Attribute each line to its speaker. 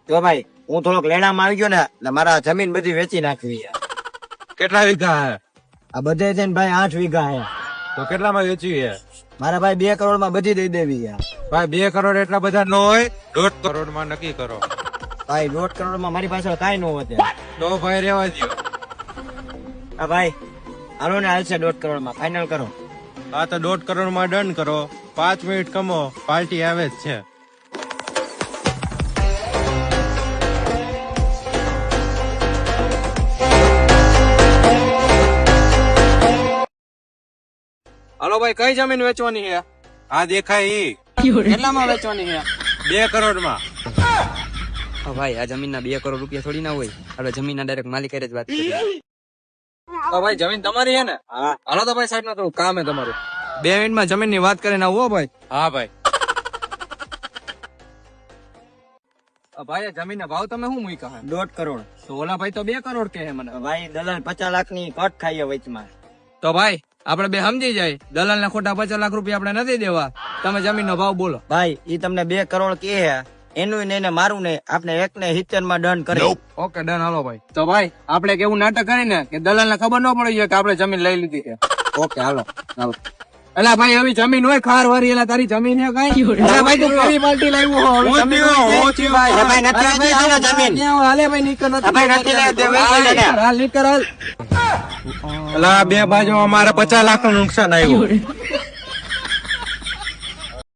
Speaker 1: તો ભાઈ હું થોડોક લેણામાં આવી ગયો ને એટલે મારા જમીન બધી વેચી નાખવી છે.
Speaker 2: કેટલા વીઘા હે?
Speaker 1: આ બધે છે ને ભાઈ 8 વીઘા હે.
Speaker 2: તો કેટલામાં વેચવી હે?
Speaker 1: મારા ભાઈ 2 કરોડ માં બધી દઈ દેવી છે.
Speaker 2: ભાઈ 2 કરોડ એટલા બધા ન હોય, 1.5 કરોડ માં નક્કી કરો.
Speaker 1: ભાઈ 1.5 કરોડ માં મારી પાસે કાંઈ ન હોતે.
Speaker 2: તો ભાઈ રેવા દો.
Speaker 1: હા ભાઈ હાલો ને હાલશે 1.5 કરોડ માં ફાઇનલ કરો.
Speaker 2: આ તો 1.5 કરોડ માં ડન કરો. 5 મિનિટ કમો, પાર્ટી આવે જ છે.
Speaker 3: હાલો ભાઈ, કઈ જમીન વેચવાની છે?
Speaker 2: આ દેખાય ઈ
Speaker 3: કેટલામાં વેચવાની છે?
Speaker 2: 2 કરોડ માં.
Speaker 4: ભાઈ આ જમીન ના 2 કરોડ રૂપિયા થોડી ના હોય. આપણે જમીન ના ડાયરેક્ટ માલિક જ વાત કરીએ.
Speaker 3: ભાઈ જમીન તમારી છે ને?
Speaker 1: હા
Speaker 3: હાલો તો ભાઈ સાઈડ માં થોડું કામ હે તમારું. 2 મિનિટમાં જમીન ની વાત કરીને આવો ભાઈ.
Speaker 2: હા ભાઈ.
Speaker 3: ભાઈ આ જમીન ના ભાવ તમે શું મૂક્યા હે?
Speaker 1: 1.5 કરોડ.
Speaker 3: તો ઓલા ભાઈ તો 2 કરોડ કે હે મને.
Speaker 1: ભાઈ દલાલ 50 લાખ ની કટ ખાઈએ વચમાં.
Speaker 3: તો ભાઈ આપણે બે સમજી જાય, દલાલ ના ખોટા 50 લાખ રૂપિયા આપણે નથી દેવા. તમે જમીન નો ભાવ બોલો.
Speaker 1: ભાઈ ઈ તમને 2 કરોડ કે હે, એનું નહીં ને મારું નહીં, આપણે 1 ને 70 માં ડન કરી.
Speaker 3: Okay done. હાલો ભાઈ. તો ભાઈ આપણે કેવું નાટક કરીને કે દલાલ ને ખબર ન પડી જાય કે આપણે જમીન લઈ લીધી છે.
Speaker 1: ઓકે હાલો.
Speaker 3: હાલો. એલા ભાઈ હવે જમીન હોય ખાર વારી, એલા તારી જમીન હે કઈ? એલા ભાઈ તું કેવી પાર્ટી લાવ્યો હો? હવે જમીન હોય.
Speaker 1: ભાઈ નથી લેતી ને જમીન.
Speaker 3: હાલે ભાઈ નીકળ નથી.
Speaker 1: ભાઈ નથી લેતી, વેચી દે ને.
Speaker 3: હાલ નીકળ હાલ.
Speaker 2: અલા બે બાજુ અમારે 50 લાખ નું નુકસાન આવ્યું.